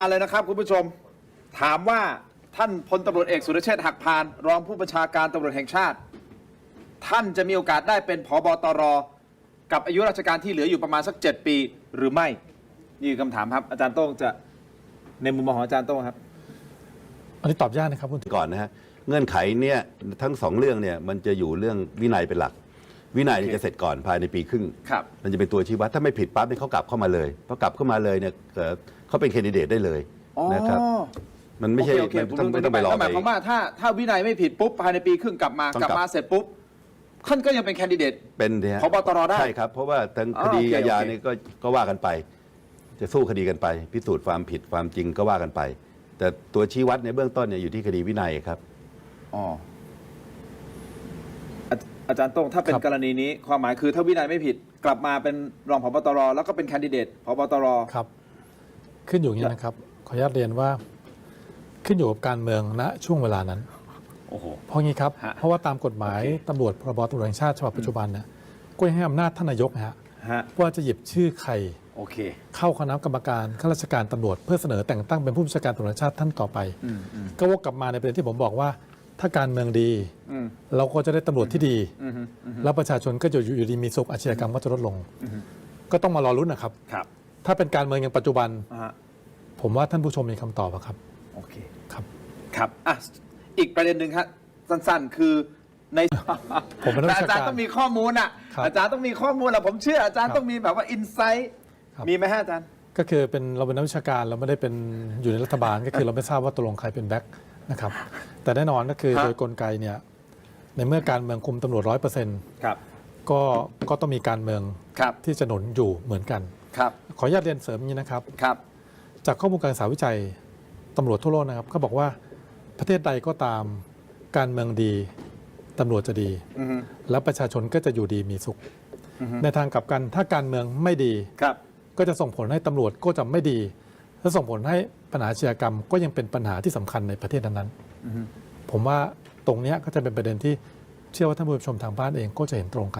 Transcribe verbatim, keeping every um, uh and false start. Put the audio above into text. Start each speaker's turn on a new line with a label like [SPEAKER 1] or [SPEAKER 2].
[SPEAKER 1] อะไรนะครับคุณผู้ชมถามว่าท่านพลตำรวจเอกสุรเชษฐ์หักพานรองผู้บัญชาการตำรวจแห่งชาติท่านจะมีโอกาสได้เป็นผบตรกับอายุราชการที่เหลืออยู่ประมาณสักเจ็ดปีหรือไม่นี่คือคำถามครับอาจารย์โต้งจะในมุมมองของอาจารย์โต้งครับ
[SPEAKER 2] อันนี้ตอบยากนะครับคุณ
[SPEAKER 3] ก่อนนะฮะเงื่อนไขเนี่ยทั้งสองเรื่องเนี่ยมันจะอยู่เรื่องวินัยเป็นหลักวินัยจะเสร็จก่อนภายในปีครึ่งมันจะเป็นตัวชี้วัดถ้าไม่ผิดปั๊บเนี่ยเขากลับเข้ามาเลยพอกลับเข้ามาเลยเนี่ยเขาเป็นแคนดิเดตได้เลยนะครับมันไม่ใช่ไม่ต้องไม่ต้องไปรอไป
[SPEAKER 1] หมายความว่าถ้าถ้าวินัยไม่ผิดปุ๊บภายในปีครึ่งกลับมากลับมาเสร็จปุ๊บท่านก็ยังเป็นแคนดิเดต
[SPEAKER 3] เป็น
[SPEAKER 1] ผบตรได้
[SPEAKER 3] ใช่ครับเพราะว่าทั้งคดีอาญาเนี่ยก็ก็ว่ากันไปจะสู้คดีกันไปพิสูจน์ความผิดความจริงก็ว่ากันไป แต่ตัวชี้วัดในเบื้องต้นเนี่ยอยู่ที่คดีวินัยครับ
[SPEAKER 1] อ๋ออาจารย์โต้งถ้าเป็นกรณีนี้ความหมายคือถ้าวินัยไม่ผิดกลับมาเป็นรองผบตรแล้วก็เป็นแคนดิเดตผบตร
[SPEAKER 2] ครับขึ้นอยู่อย่างนี้นะครับขออนุญาตเรียนว่าขึ้นอยู่กับการเมืองณช่วงเวลานั้น
[SPEAKER 1] โอ้โห
[SPEAKER 2] เพราะงี้ครับเพราะว่าตามกฎหมายตำรวจพรบตำรวจแห่งชาติฉบับปัจจุบันเนี่ยก็ยังให้อำนาจท่านนายกฮะว่าจะหยิบชื่อใคร
[SPEAKER 1] โอเค
[SPEAKER 2] เข้าคณะกรรมการข้าราชการตำรวจเพื่อเสนอแต่งตั้งเป็นผู้บัญชาการตำรวจแห่งชาติท่านต่อไปก็วกกลับมาในประเด็นที่ผมบอกว่าถ้าการเมืองดีเราก็จะได้ตำรวจที่ดีแล้วประชาชนก็จะอยู่ดีมีสุขอาชญากรรมก็จะลดลงก็ต้องมารอรุ้นนะครับถ้าเป็นการเมืองอย่างปัจจุบันผมว่าท่านผู้ชมมีคำตอบครับ
[SPEAKER 1] โอเค
[SPEAKER 2] ครับ
[SPEAKER 1] ครับอ่ะอีกประเด็นหนึ่งครับสั้นๆคือใน
[SPEAKER 2] ผมเป็น
[SPEAKER 1] อาจารย์ต้องมีข้อมูลอ่ะอาจารย์ต้องมีข้อมูลอ่ะผมเชื่ออาจารย์ต้องมีแบบว่าอินไซต์มีไหมฮะอาจารย์
[SPEAKER 2] ก็คือเป็นเราเป็นนักวิชาการเราไม่ได้เป็นอยู่ในรัฐบาลก็คือเราไม่ทราบว่าตกลงใครเป็นแบ็คนะครับแต่แน่นอนก็คือโดยกลไกเนี่ยในเมื่อการเมืองคุมตำรวจร้อยเปอร์เซ็นต์ก็ก็ต้องมีการเมืองที่จะหนุนอยู่เหมือนกันขออนุญาตเรียนเสริมอย่างนี้นะครับจากข้อมูลการศึกษาวิจัยตำรวจทั่วโลกนะครับเขาบอกว่าประเทศใดก็ตามการเมืองดีตำรวจจะดีแล้วประชาชนก็จะอยู่ดีมีสุขในทางกลับกันถ้าการเมืองไม่ดีก็จะส่งผลให้ตำรวจก็จะไม่ดีและส่งผลให้ปัญหาอาชญากรรมก็ยังเป็นปัญหาที่สำคัญในประเทศนั้นๆผมว่าตรงนี้ก็จะเป็นประเด็นที่เชื่อว่าท่านผู้ชมทางบ้านเองก็จะเห็นตรงกัน